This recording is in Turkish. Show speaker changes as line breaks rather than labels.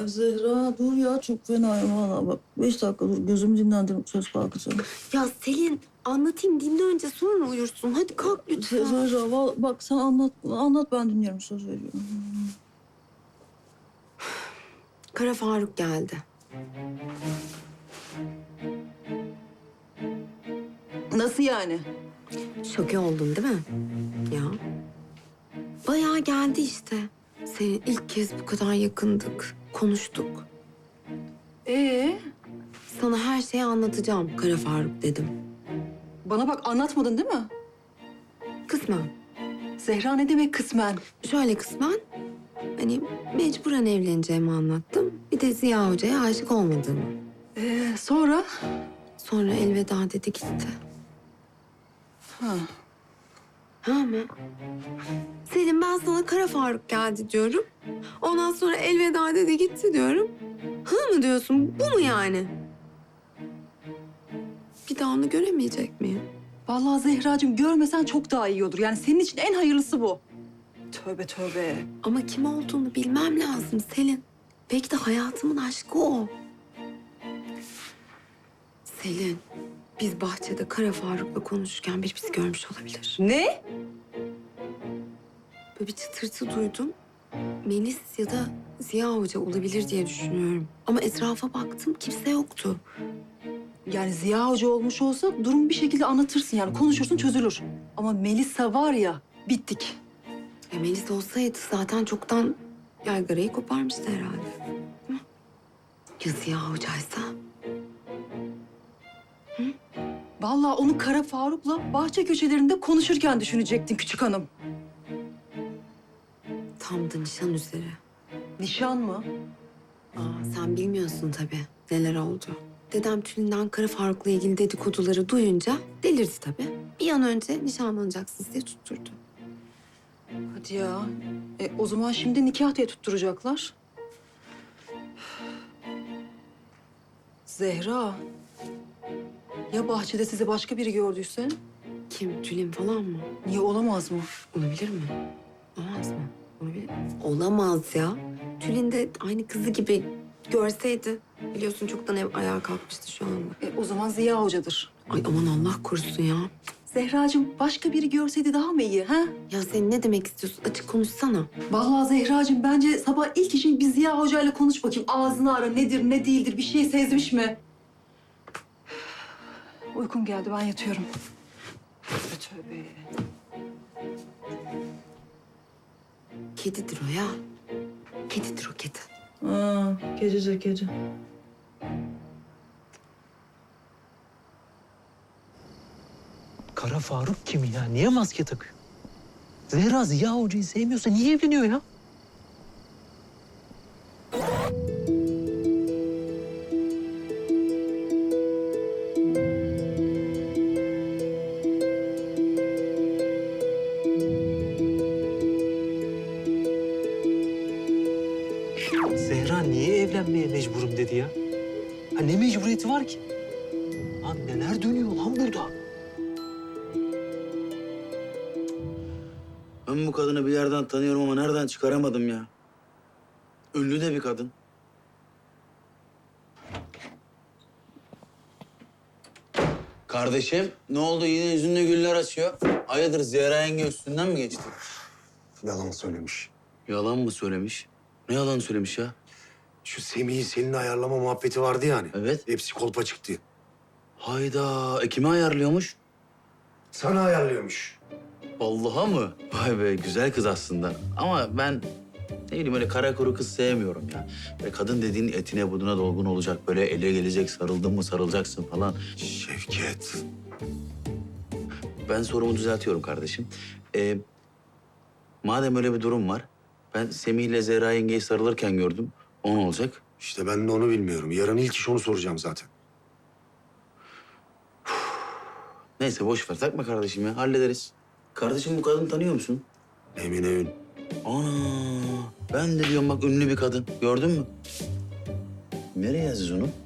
Ay Zehra dur ya, çok fenayım valla bak. 5 dakika dur, gözümü dinlendirip söz kalkacağım.
Ya Selin, anlatayım, dinle önce, sonra uyursun. Hadi kalk lütfen.
Zehra bak sen anlat ben dinliyorum, söz veriyorum.
Kara Faruk geldi.
Nasıl yani?
Şoke oldun değil mi? Ya. Bayağı geldi işte. Senin ilk kez bu kadar yakındık. Konuştuk. Sana her şeyi anlatacağım Kara Faruk dedim.
Bana bak, anlatmadın değil mi?
Kısmen.
Zehra ne demek kısmen?
Şöyle kısmen. Hani mecburen evleneceğimi anlattım. Bir de Ziya Hoca'ya aşık olmadığımı.
Sonra?
Sonra elveda dedi gitti.
Ha.
Ha mı? Selim, ben sana Kara Faruk geldi diyorum. Ondan sonra elveda dedi gitti diyorum. Hı mı diyorsun? Bu mu yani? Bir daha onu göremeyecek miyim?
Vallahi Zehracığım, görmesen çok daha iyi olur. Yani senin için en hayırlısı bu. Tövbe tövbe.
Ama kim olduğunu bilmem lazım Selin. Belki de hayatımın aşkı o. Selin, biz bahçede Kara Faruk'la konuşurken biri bizi görmüş olabilir.
Ne?
Böyle bir çıtırtı duydum. Melis ya da Ziya Hoca olabilir diye düşünüyorum. Ama etrafa baktım, kimse yoktu.
Yani Ziya Hoca olmuş olsa durumu bir şekilde anlatırsın, yani konuşursun, çözülür. Ama Melisa var ya, bittik.
Melis olsaydı zaten çoktan yaygarayı koparmıştı herhalde. Hı? Ya Ziya Hoca'ysa?
Vallahi onu Kara Faruk'la bahçe köşelerinde konuşurken düşünecektin küçük hanım.
Tam da nişan üzere.
Nişan mı?
Sen bilmiyorsun tabii neler oldu. Dedem Tülin'den Kara Faruk'la ilgili dedikoduları duyunca delirdi tabii. Bir an önce nişanlanacaksınız diye tutturdu.
Hadi ya. O zaman şimdi nikah diye tutturacaklar. Zehra. Ya bahçede sizi başka biri gördüyse?
Kim? Tülin falan mı?
Niye, olamaz mı?
Olabilir mi? Olamaz mı? Olabilir. Olamaz ya. Tülin de aynı kızı gibi görseydi. Biliyorsun çoktan ev ayağa kalkmıştı şu anda.
O zaman Ziya Hoca'dır.
Ay aman Allah korusun ya.
Zehracığım, başka biri görseydi daha mı iyi, ha?
Ya sen ne demek istiyorsun? Açık konuşsana.
Vallahi Zehracığım, bence sabah ilk işin bir Ziya Hoca'yla konuş bakayım. Ağzını ara, nedir, ne değildir, bir şey sezmiş mi? Uykum geldi, ben yatıyorum. Tövbe tövbe.
Kedidir o ya. Kedidir o kedi.
Kedice kedi.
Kara Faruk kim ya? Niye maske takıyor? Zehra Ziya Hoca'yı sevmiyorsa niye evleniyor ya? Zehra niye evlenmeye mecburum dedi ya? Ha ne mecburiyeti var ki? Lan neler dönüyor lan burada?
Ben bu kadını bir yerden tanıyorum ama nereden çıkaramadım ya. Ünlü de bir kadın. Kardeşim, ne oldu? Yine yüzünde güller açıyor. Hayırdır, Zehra yenge üstünden mi geçti?
Yalan söylemiş.
Yalan mı söylemiş? Ne yalan söylemiş ya?
Şu Semih'i seninle ayarlama muhabbeti vardı yani.
Evet.
Hepsi kolpa çıktı.
Hayda, kime ayarlıyormuş?
Sana ayarlıyormuş.
Vallahi mı? Vay be, güzel kız aslında. Ama ben ne bileyim, öyle kara kuru kız sevmiyorum ya. Böyle kadın dediğin etine buduna dolgun olacak. Böyle ele gelecek, sarıldın mı sarılacaksın falan.
Şevket.
Ben sorumu düzeltiyorum kardeşim. Madem öyle bir durum var, ben Semih ile Zehra yengeyi sarılırken gördüm. O ne olacak?
İşte ben de onu bilmiyorum. Yarın ilk iş onu soracağım zaten.
Neyse boş ver, takma kardeşim ya, hallederiz. Kardeşim, bu kadını tanıyor musun?
Emine Ün.
Ana, ben de diyorum bak, ünlü bir kadın. Gördün mü? Nereye yazacağız onu?